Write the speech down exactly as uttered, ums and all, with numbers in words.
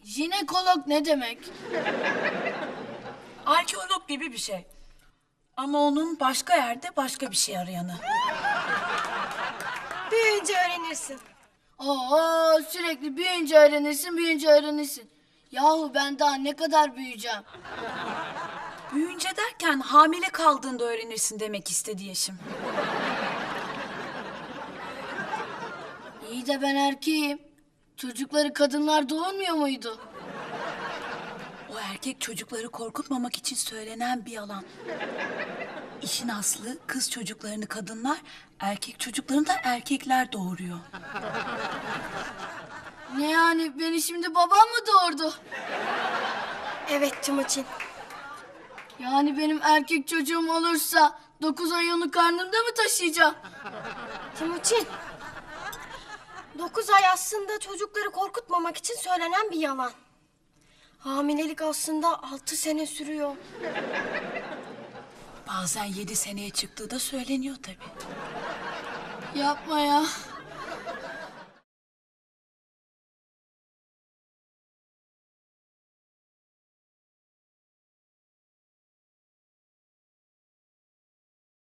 Jinekolog ne demek? Arkeolog gibi bir şey. Ama onun başka yerde başka bir şey arayanı. Büyüyünce öğrenirsin. Oo, sürekli büyüyünce öğrenirsin, büyüyünce öğrenirsin. Yahu ben daha ne kadar büyüyeceğim? Büyüyünce derken hamile kaldığında öğrenirsin demek istedi Yeşim. İyi de ben erkeğim. Çocukları kadınlar doğurmuyor muydu? O erkek çocukları korkutmamak için söylenen bir yalan. İşin aslı kız çocuklarını kadınlar, erkek çocuklarını da erkekler doğuruyor. Ne yani, beni şimdi babam mı doğurdu? Evet Timuçin. Yani benim erkek çocuğum olursa dokuz ay onu karnımda mı taşıyacağım? Timuçin. Dokuz ay aslında çocukları korkutmamak için söylenen bir yalan. Hamilelik aslında altı sene sürüyor. Bazen yedi seneye çıktığı da söyleniyor tabii. Yapma ya.